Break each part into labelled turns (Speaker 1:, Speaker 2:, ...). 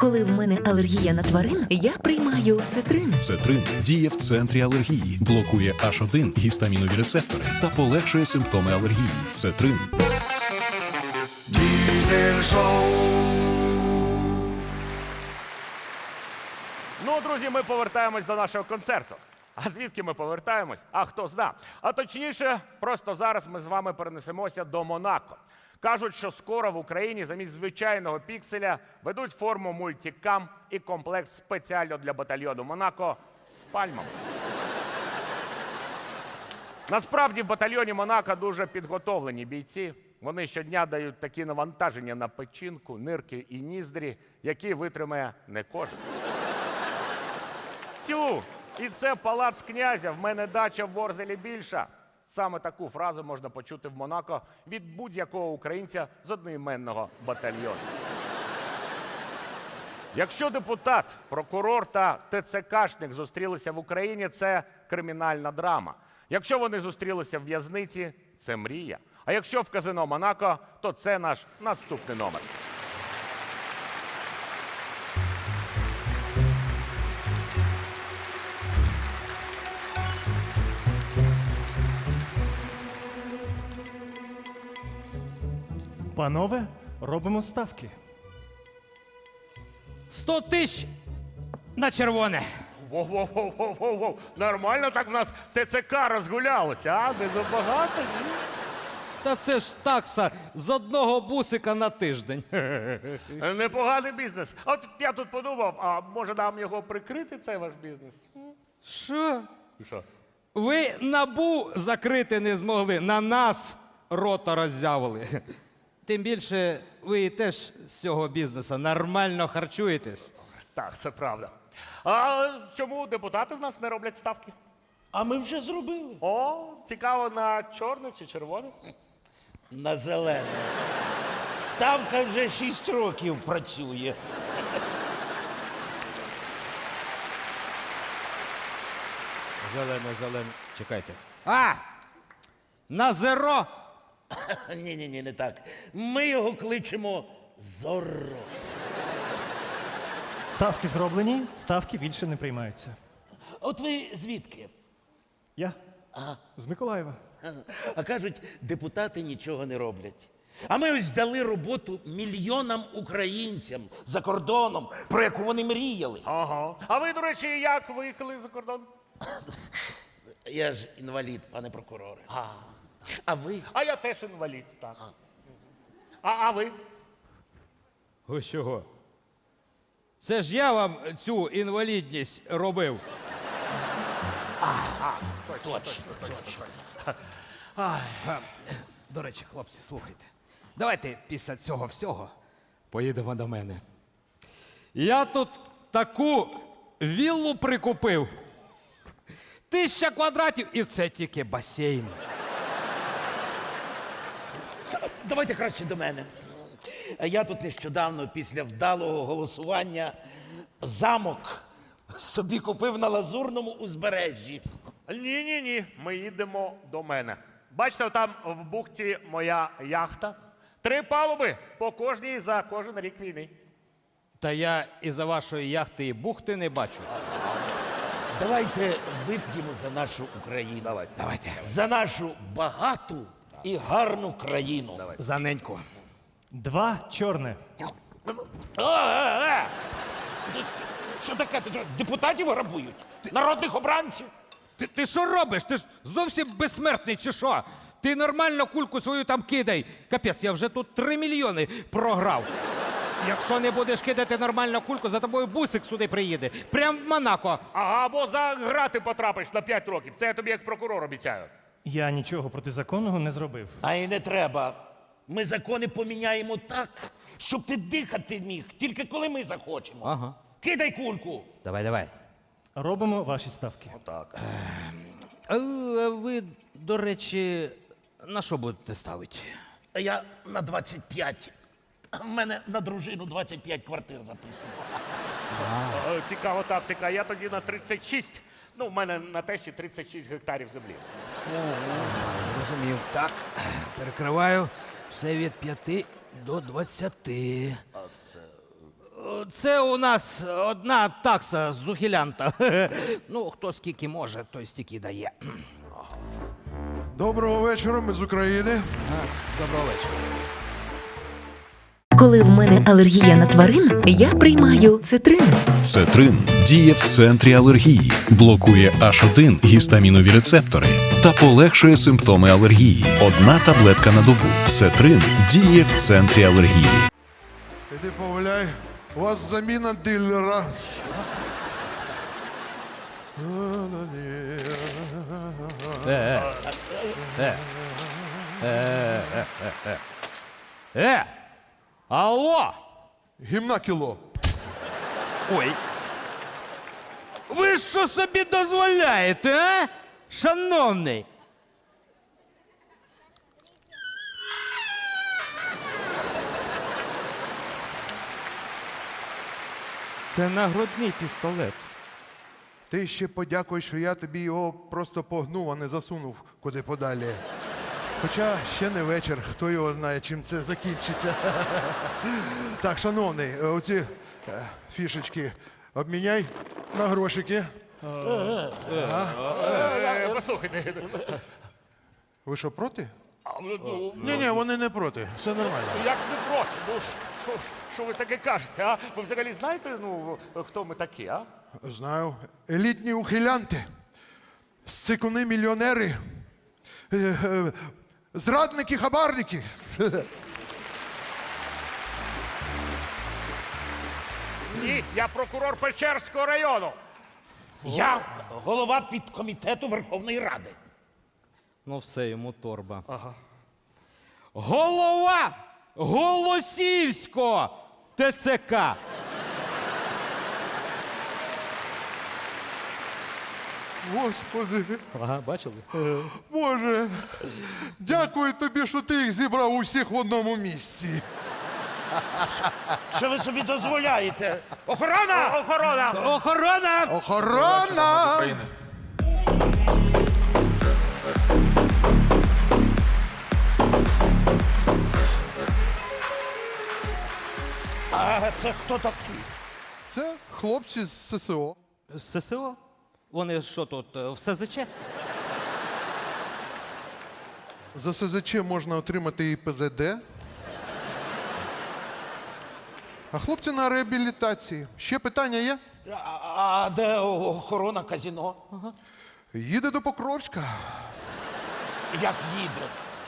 Speaker 1: Коли в мене алергія на тварин, я приймаю цитрин.
Speaker 2: Цетрин діє в центрі алергії, блокує H1 гістамінові рецептори та полегшує симптоми алергії. Цетрин.
Speaker 3: Diesel Show.
Speaker 4: Ну, друзі, ми повертаємось до нашого концерту. А звідки ми повертаємось? А хто зна. А точніше, просто зараз ми з вами перенесемося до Монако. Кажуть, що скоро в Україні замість звичайного пікселя ведуть форму мультикам і комплект спеціально для батальйону Монако з пальмами. Насправді в батальйоні Монако дуже підготовлені бійці. Вони щодня дають такі навантаження на печінку, нирки і ніздрі, які витримає не кожен. Тю, і це палац князя, в мене дача в Ворзелі більша. Саме таку фразу можна почути в Монако від будь-якого українця з одноіменного батальйону. Якщо депутат, прокурор та ТЦКшник зустрілися в Україні, це кримінальна драма. Якщо вони зустрілися в в'язниці, це мрія. А якщо в казино Монако, то це наш наступний номер.
Speaker 5: Панове, робимо ставки.
Speaker 6: 100 тисяч на червоне.
Speaker 4: Воу-воу-воу-воу-воу. Нормально так в нас ТЦК розгулялося, а? Не забагато? Ні?
Speaker 6: Та це ж такса з одного бусика на тиждень.
Speaker 4: Непоганий бізнес. А от я тут подумав, а може нам його прикрити, цей ваш бізнес?
Speaker 6: Що?
Speaker 4: Що?
Speaker 6: Ви НАБУ закрити не змогли, на нас рота роззявили. Тим більше ви теж з цього бізнесу нормально харчуєтесь.
Speaker 4: Так, це правда. А чому депутати в нас не роблять ставки?
Speaker 7: А ми вже зробили.
Speaker 4: О, цікаво, на чорне чи червоне?
Speaker 7: На зелене. Ставка вже 6 років працює.
Speaker 6: Зелене. Чекайте. А! На зеро!
Speaker 7: Ні, не так. Ми його кличемо Зорро.
Speaker 5: Ставки зроблені, ставки більше не приймаються.
Speaker 7: От ви звідки?
Speaker 5: Я? З Миколаєва.
Speaker 7: А кажуть, депутати нічого не роблять. А ми ось дали роботу мільйонам українцям за кордоном, про яку вони мріяли.
Speaker 4: Ага. А ви, до речі, як виїхали за кордон?
Speaker 7: Я ж інвалід, пане прокуроре. А ви?
Speaker 4: А я теж інвалід, так. А ви?
Speaker 6: Ви чого? Це ж я вам цю інвалідність робив.
Speaker 7: Точно.
Speaker 6: До речі, хлопці, слухайте. Давайте після цього всього поїдемо до мене. Я тут таку віллу прикупив. 1000 квадратів і це тільки басейн.
Speaker 7: Давайте краще до мене. Я тут нещодавно, після вдалого голосування, замок собі купив на Лазурному узбережжі.
Speaker 4: Ні, ми їдемо до мене. Бачите, там в бухті моя яхта. 3 палуби по кожній за кожен рік війни.
Speaker 6: Та я із-за вашої яхти і бухти не бачу.
Speaker 7: Давайте вип'ємо за нашу Україну.
Speaker 6: Давайте.
Speaker 7: За нашу багату і гарну країну.
Speaker 6: За неньку.
Speaker 5: 2 чорне.
Speaker 7: Що таке? Ти що, депутатів грабують? Народних обранців?
Speaker 6: Ти що робиш? Ти ж зовсім безсмертний чи що? Ти нормально кульку свою там кидай. Капець, я вже тут 3 мільйони програв. Якщо не будеш кидати нормально кульку, за тобою бусик сюди приїде. Прям в Монако.
Speaker 4: Ага, або за грати потрапиш на 5 років. Це я тобі як прокурор обіцяю.
Speaker 5: Я нічого протизаконного не зробив.
Speaker 7: А й не треба. Ми закони поміняємо так, щоб ти дихати міг, тільки коли ми захочемо.
Speaker 6: Ага.
Speaker 7: Кидай кульку.
Speaker 6: Давай.
Speaker 5: Робимо ваші ставки.
Speaker 6: А ви, до речі, на що будете ставити?
Speaker 7: Я на 25. В мене на дружину 25 квартир записано.
Speaker 4: Цікава тактика. Я тоді на 36. Ну, в мене на тещі 36 гектарів землі.
Speaker 6: Зрозумів. Так, перекриваю все від 5 до 20. Це у нас одна такса з ухилянта. Ну, хто скільки може, той стільки дає.
Speaker 3: Доброго вечора, ми з України.
Speaker 6: Доброго вечора.
Speaker 1: Коли в мене алергія на тварин, я приймаю цитрин.
Speaker 2: Цетрин діє в центрі алергії, блокує H1 гістамінові рецептори та полегшує симптоми алергії. Одна таблетка на добу. Цетрин діє в центрі алергії.
Speaker 3: Іди погуляй. У вас заміна дилера.
Speaker 6: Алло!
Speaker 3: Гімна кіло.
Speaker 6: Ой. Ви що собі дозволяєте, а? Шановний. Це нагрудний пістолет.
Speaker 3: Ти ще подякуй, що я тобі його просто погнув, а не засунув куди подалі. Хоча ще не вечір, хто його знає, чим це закінчиться. Так, шановний, оці фішечки обміняй на грошики.
Speaker 4: Послухайте,
Speaker 3: Ви що, проти? Ні, вони не проти. Все нормально.
Speaker 4: як не проти? Ну, що ви таке кажете, а? Ви взагалі знаєте, хто ми такі, а?
Speaker 3: Знаю. Елітні ухилянти, сикуни-мільйонери, зрадники, хабарники.
Speaker 4: Ні, я прокурор Печерського району.
Speaker 7: Я голова підкомітету Верховної Ради.
Speaker 6: Ну все, йому торба. Ага. Голова Голосіївського ТЦК.
Speaker 3: Господи,
Speaker 6: Ага, бачили?
Speaker 3: Боже, дякую тобі, що ти їх зібрав усіх в одному місці.
Speaker 7: Що ви собі дозволяєте? Охорона!
Speaker 4: Охорона!
Speaker 6: Охорона!
Speaker 3: Охорона!
Speaker 7: А це хто такий?
Speaker 3: Це хлопці з ССО.
Speaker 6: З ССО? Вони що тут, в СЗЧ?
Speaker 3: За СЗЧ можна отримати і ПЗД. А хлопці на реабілітації. Ще питання є?
Speaker 7: А де охорона казино?
Speaker 3: Їде до Покровська.
Speaker 7: Як їде?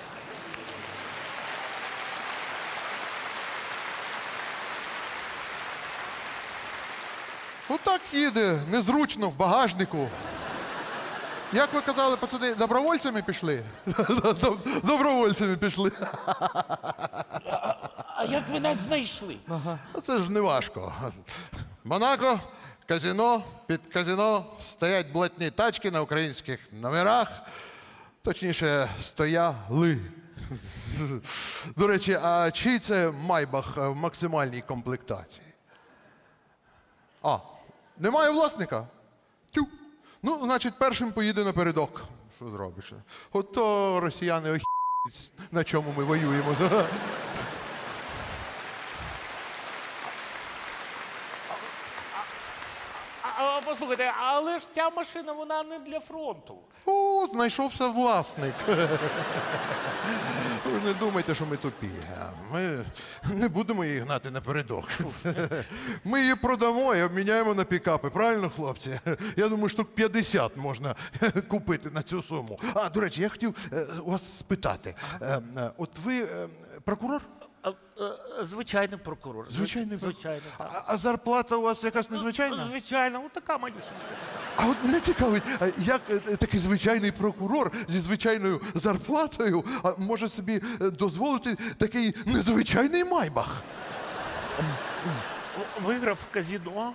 Speaker 3: Отак їде, незручно, в багажнику. Як ви казали, пацани, добровольцями пішли? Добровольцями пішли.
Speaker 7: А як ви нас знайшли?
Speaker 3: Це ж не важко. Монако, казино, під казино стоять блатні тачки на українських номерах. Точніше, стояли. До речі, а чий це майбах в максимальній комплектації? А, немає власника? Тю. Ну, значить, першим поїде напередок. Що зробиш? Ото росіяни охі**ють, на чому ми воюємо.
Speaker 4: Послухайте, але ж ця машина, вона не для фронту.
Speaker 3: О, знайшовся власник. Ви не думайте, що ми тупі. Ми не будемо її гнати напередок. Ми її продамо і обміняємо на пікапи. Правильно, хлопці? Я думаю, штук 50 можна купити на цю суму. А, до речі, я хотів у вас спитати. От ви прокурор?
Speaker 4: Звичайний прокурор.
Speaker 3: Звичайний прокурор.
Speaker 4: Звичайно, так.
Speaker 3: А зарплата у вас якась незвичайна?
Speaker 4: Звичайно, така манюсенька.
Speaker 3: А от мене цікавить, а як такий звичайний прокурор зі звичайною зарплатою може собі дозволити такий незвичайний майбах?
Speaker 4: Виграв в казино.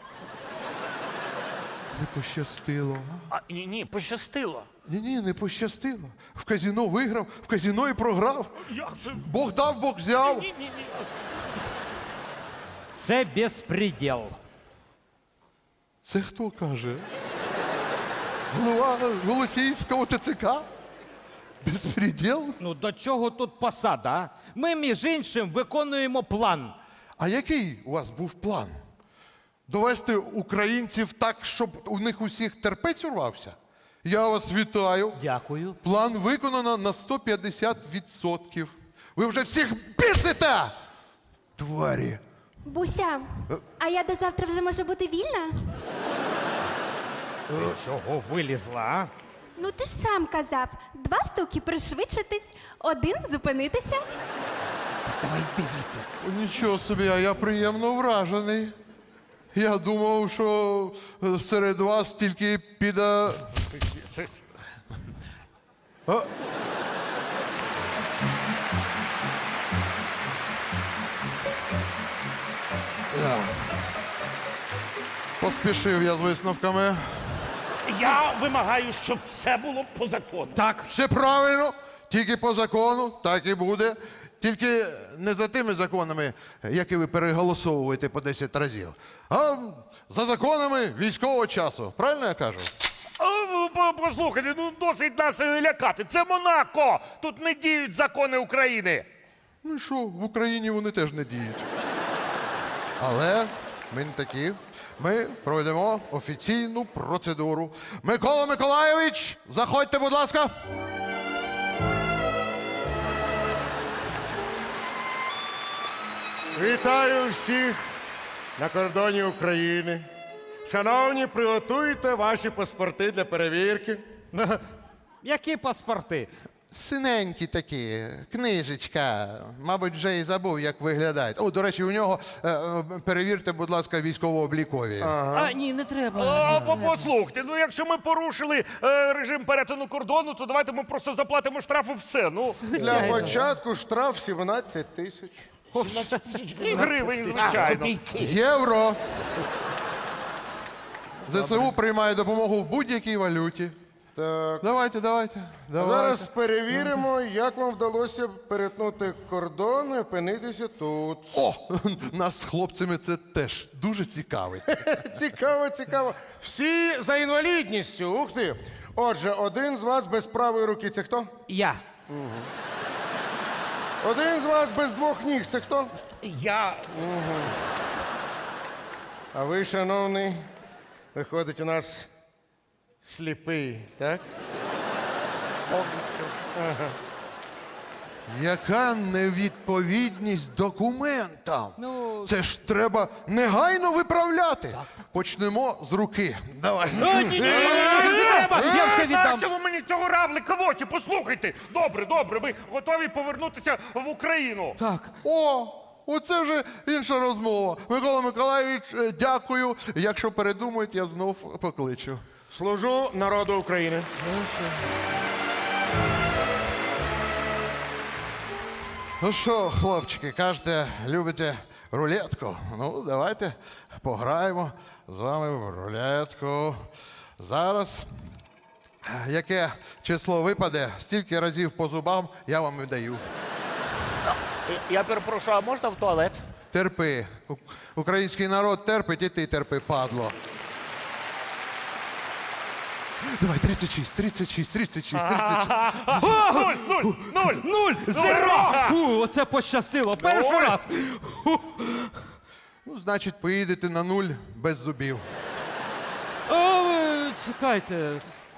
Speaker 3: Не пощастило.
Speaker 4: Ні, пощастило.
Speaker 3: Ні, не пощастило. В казино виграв, в казино і програв.
Speaker 4: Як це?
Speaker 3: Бог дав, Бог взяв.
Speaker 4: Ні.
Speaker 6: Це безпреділ.
Speaker 3: Це хто каже? Голова Голосіївського ТЦК? Безпреділ?
Speaker 6: Ну до чого тут посада? А? Ми, між іншим, виконуємо план.
Speaker 3: А який у вас був план? Довести українців так, щоб у них усіх терпець урвався? Я вас вітаю.
Speaker 6: Дякую.
Speaker 3: План виконано на 150%. Ви вже всіх бісите! Тварі.
Speaker 8: Буся, а я до завтра вже можу бути вільна?
Speaker 6: Чого вилізла, а?
Speaker 8: Ну ти ж сам казав, 2 стуки пришвидшитись, 1 зупинитися.
Speaker 6: Давай дивіться.
Speaker 3: Нічого собі, а я приємно вражений. Я думав, що серед вас тільки піде. Поспішив я з висновками.
Speaker 7: Я вимагаю, щоб це було по закону.
Speaker 6: Так,
Speaker 3: Все правильно, тільки по закону, так і буде. Тільки не за тими законами, які ви переголосовуєте по 10 разів, а за законами військового часу. Правильно я кажу?
Speaker 4: Послухайте, ну досить нас лякати. Це Монако! Тут не діють закони України.
Speaker 3: Ну і що, в Україні вони теж не діють. Але ми не такі. Ми проведемо офіційну процедуру. Микола Миколайович, заходьте, будь ласка.
Speaker 9: Вітаю всіх на кордоні України. Шановні, приготуйте ваші паспорти для перевірки.
Speaker 6: які паспорти?
Speaker 3: Синенькі такі, книжечка. Мабуть, вже і забув, як виглядають. О, до речі, у нього перевірте, будь ласка, військово-облікові.
Speaker 6: А, ні, не треба.
Speaker 4: Послухайте, ну якщо ми порушили режим перетину кордону, то давайте ми просто заплатимо штраф і все. Ну,
Speaker 9: Для початку штраф 17 тисяч.
Speaker 4: 7 гривень, звичайно.
Speaker 3: Євро. ЗСУ приймає допомогу в будь-якій валюті.
Speaker 9: Так.
Speaker 3: Давайте.
Speaker 9: Зараз перевіримо, як вам вдалося перетнути кордон і опинитися тут.
Speaker 3: О, нас з хлопцями це теж дуже цікавить.
Speaker 9: Цікаво. Всі за інвалідністю. Ух ти. Отже, один з вас без правої руки. Це хто?
Speaker 6: Я.
Speaker 9: Один з вас без 2 ніг. Це хто?
Speaker 7: Я
Speaker 9: А ви, шановний, виходить у нас сліпий, так?
Speaker 3: Яка невідповідність документам? Це ж треба негайно виправляти. Почнемо з руки. Давай.
Speaker 6: Не треба! Я все віддам.
Speaker 4: Що ви мені цього равлика в очі? Послухайте. Добре, ми готові повернутися в Україну.
Speaker 6: Так.
Speaker 3: О, оце вже інша розмова. Микола Миколайович, дякую. Якщо передумають, я знов покличу.
Speaker 9: Служу народу України.
Speaker 3: Ну що, хлопчики, кажете, любите рулетку? Ну, давайте пограємо з вами в рулетку. Зараз, яке число випаде, стільки разів по зубам я вам і даю.
Speaker 4: Я перепрошую, а можна в туалет?
Speaker 3: Терпи. Український народ терпить, і ти терпи, падло. Давай, 36.
Speaker 4: Нуль!
Speaker 6: Зеро! Фу, оце пощастило. Перший раз.
Speaker 3: Ну, значить, поїдете на 0 без зубів.
Speaker 6: О, ви чекайте.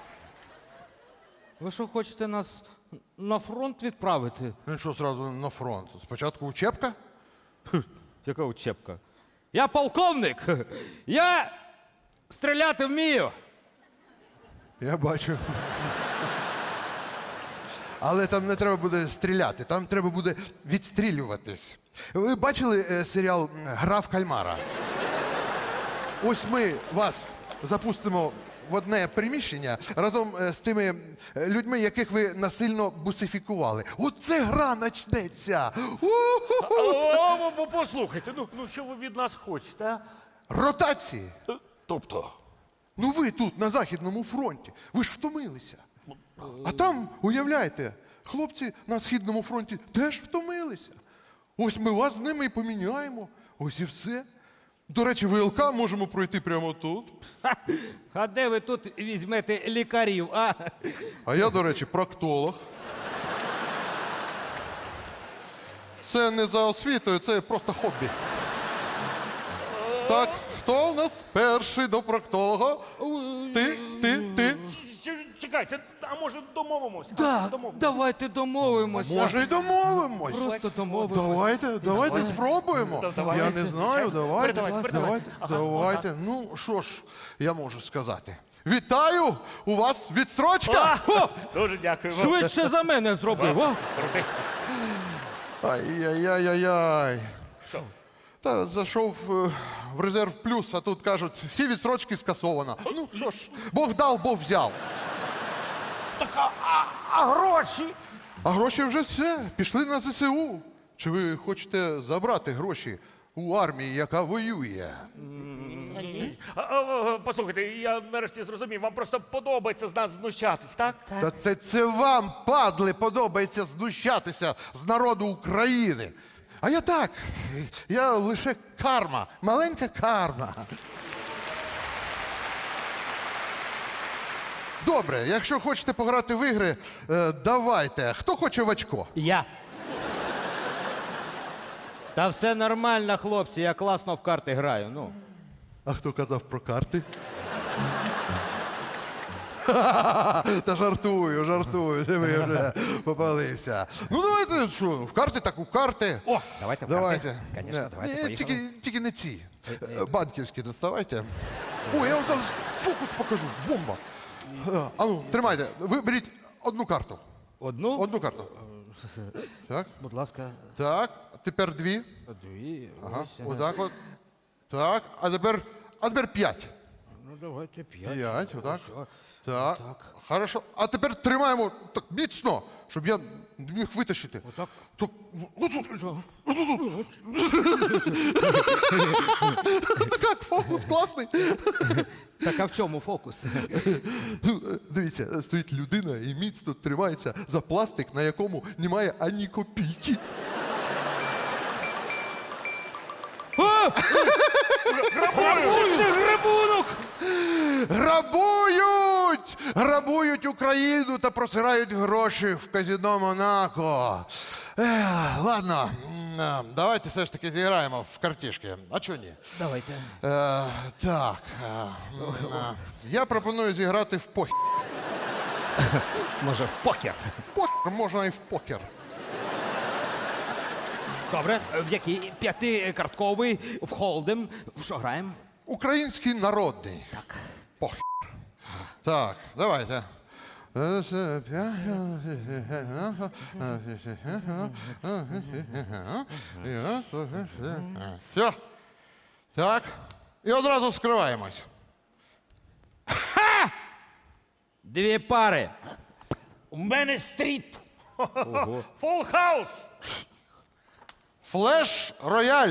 Speaker 6: Ви що, хочете нас на фронт відправити?
Speaker 3: Ну що, зразу на фронт? Спочатку учебка?
Speaker 6: Яка учебка? Я полковник. Я стріляти вмію.
Speaker 3: Я бачу. Але там не треба буде стріляти, там треба буде відстрілюватись. Ви бачили серіал Гра в кальмара? Ось ми вас запустимо в одне приміщення разом з тими людьми, яких ви насильно бусифікували. Оце гра начнеться.
Speaker 4: Послухайте, ну що ви від нас хочете, а?
Speaker 3: Ротації.
Speaker 4: Тобто?
Speaker 3: Ну ви тут, на Західному фронті, ви ж втомилися. А там, уявляєте, хлопці на Східному фронті теж втомилися. Ось ми вас з ними і поміняємо. Ось і все. До речі, ВЛК можемо пройти прямо тут.
Speaker 6: А де ви тут візьмете лікарів, а?
Speaker 3: А я, до речі, проктолог. Це не за освітою, це просто хобі. Так, хто у нас перший до проктолога? Ти?
Speaker 4: Чекайте, а може домовимося?
Speaker 6: Так, давайте домовимося.
Speaker 3: Може, й домовимось.
Speaker 6: Просто домовимося.
Speaker 3: Давайте спробуємо.
Speaker 4: Давайте.
Speaker 3: Я не знаю, давайте.
Speaker 4: Передавайте. Ага,
Speaker 3: Давайте. Ну, що ж, я можу сказати. Вітаю! У вас відстрочка!
Speaker 4: Дуже дякую.
Speaker 6: Швидше за мене зробив, а?
Speaker 4: Крутий.
Speaker 3: Ай-яй-яй-яй-яй.
Speaker 4: Що?
Speaker 3: Та зайшов в резерв плюс, а тут кажуть, всі відстрочки скасовано. Ну що ж, Бог дав, Бог взяв.
Speaker 7: А гроші?
Speaker 3: А гроші вже все, пішли на ЗСУ. Чи ви хочете забрати гроші у армії, яка воює?
Speaker 4: Послухайте, я нарешті зрозумів, вам просто подобається з нас знущатись, так?
Speaker 3: Та це вам, падли, подобається знущатися з народу України. А я так, я лише карма, маленька карма. Добре, якщо хочете пограти в ігри, давайте. Хто хоче в очко?
Speaker 6: Я. Та все нормально, хлопці, я класно в карти граю. Ну.
Speaker 3: А хто казав про карти? Та жартую, де ви вже попалився. Ну давайте, що, в карти так у карти.
Speaker 6: О, давайте в карти.
Speaker 3: Давайте.
Speaker 6: Конечно, давайте,
Speaker 3: Ні,
Speaker 6: поїхали.
Speaker 3: тільки не ці. Банківські доставайте. О, я вам зараз фокус покажу. Бомба. А ну, тримайте. Ви беріть одну карту.
Speaker 6: Одну?
Speaker 3: Одну карту. Так,
Speaker 6: Будь ласка,
Speaker 3: так. Тепер дві.
Speaker 6: дві.
Speaker 3: Ага,
Speaker 6: Ось.
Speaker 3: отак от. Так, а тепер 5.
Speaker 6: Ну давайте 5.
Speaker 3: 5, отак.
Speaker 6: Ось,
Speaker 3: Так,
Speaker 6: так.
Speaker 3: хорошо. А тепер тримаємо так міцно, щоб я не міг витащити.
Speaker 6: Отак.
Speaker 3: Так, як фокус класний.
Speaker 6: Так, а в чому фокус?
Speaker 3: Ну, дивіться, стоїть людина і міцно тримається за пластик, на якому немає ані копійки.
Speaker 6: Це грабунок!
Speaker 3: Грабують Україну та просирають гроші в казино Монако. Ладно, давайте все ж таки зіграємо в картішки. А чого ні?
Speaker 6: Давайте.
Speaker 3: Так. Я пропоную зіграти в покер.
Speaker 6: Може, в покер?
Speaker 3: Покер можна і в покер.
Speaker 6: Добре. В який? 5-картковий, в холдем. В що граємо?
Speaker 3: Український народний.
Speaker 6: Так.
Speaker 3: Покер. Так, давайте. Все. Так. І одразу скриваємось.
Speaker 6: Дві пари.
Speaker 7: У мене стріт.
Speaker 4: Фул хаус!
Speaker 3: Флеш рояль.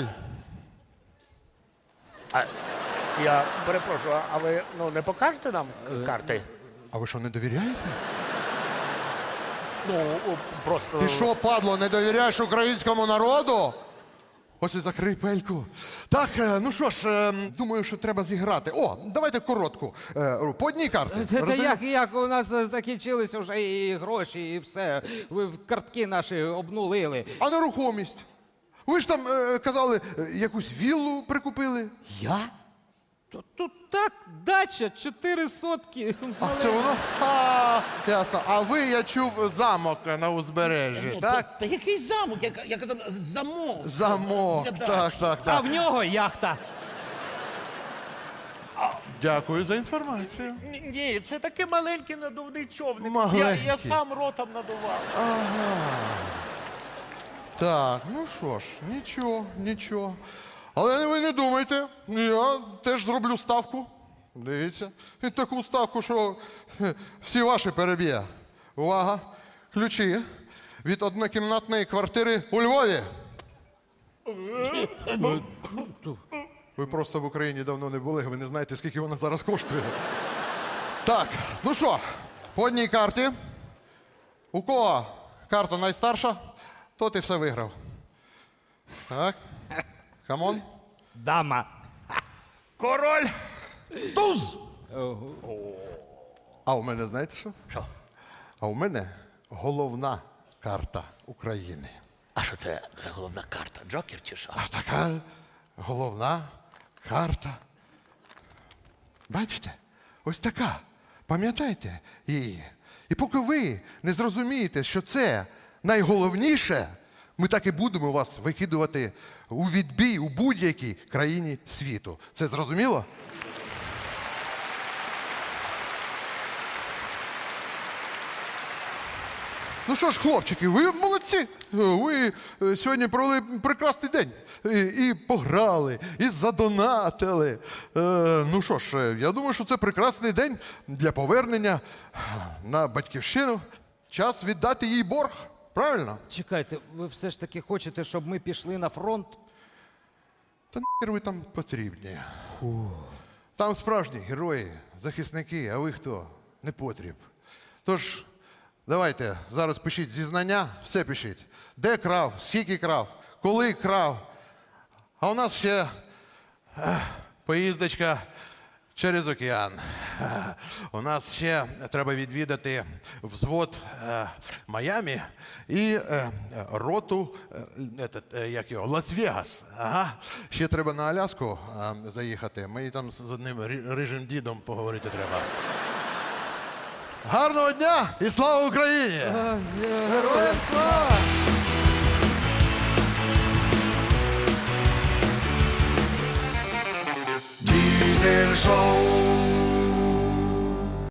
Speaker 4: Я перепрошую, а ви не покажете нам карти?
Speaker 3: А ви що, не довіряєте?
Speaker 4: Ну, просто.
Speaker 3: Ти що, падло, не довіряєш українському народу? Ось і закрий пельку. Так, ну що ж, думаю, що треба зіграти. О, давайте коротку. По одній карті.
Speaker 6: Та
Speaker 3: Роздаємо?
Speaker 6: як у нас закінчилися вже і гроші, і все. Ви в картки наші обнулили.
Speaker 3: А нерухомість? Ви ж там казали, якусь віллу прикупили.
Speaker 6: Я? Тут так, дача, 4 сотки.
Speaker 3: А це воно? Ясно. А ви, я чув, замок на узбережжі, так?
Speaker 7: Та який замок? Я казав, замок.
Speaker 3: Замок, так.
Speaker 6: А в нього яхта.
Speaker 3: Дякую за інформацію.
Speaker 4: Ні, це такий маленький надувний човник.
Speaker 3: Маленький.
Speaker 4: Я сам ротом надував.
Speaker 3: Так, ну що ж, нічого. Але ви не думайте, я теж зроблю ставку. Дивіться, і таку ставку, що всі ваші переб'є. Увага! Ключі від однокімнатної квартири у Львові. Ви просто в Україні давно не були, ви не знаєте, скільки вона зараз коштує. Так, ну що, по одній карті. У кого карта найстарша, тот і все виграв. Так, камон.
Speaker 6: Дама.
Speaker 4: Король!
Speaker 7: Туз!
Speaker 3: А у мене знаєте що?
Speaker 4: Що?
Speaker 3: А у мене головна карта України.
Speaker 4: А що це за головна карта? Джокер чи що?
Speaker 3: А така головна карта Бачите? Ось така. Пам'ятайте її. І поки ви не зрозумієте, що це найголовніше, ми так і будемо вас викидувати у відбій у будь-якій країні світу. Це зрозуміло? Ну що ж, хлопчики, ви молодці. Ви сьогодні провели прекрасний день. І пограли, і задонатили. Ну що ж, я думаю, що це прекрасний день для повернення на батьківщину. Час віддати їй борг. Правильно?
Speaker 6: Чекайте, ви все ж таки хочете, щоб ми пішли на фронт?
Speaker 3: Та нахер ви там потрібні. Там справжні герої, захисники, а ви хто? Не потріб. Тож, давайте, зараз пишіть зізнання, все пишіть. Де крав, скільки крав, коли крав. А у нас ще поїздочка через океан. У нас ще треба відвідати взвод Майамі і роту як його, Лас-Вегас. Ага. Ще треба на Аляску заїхати. Ми там з одним рижим дідом поговорити треба. Гарного дня і слава Україні!
Speaker 6: Героям слава!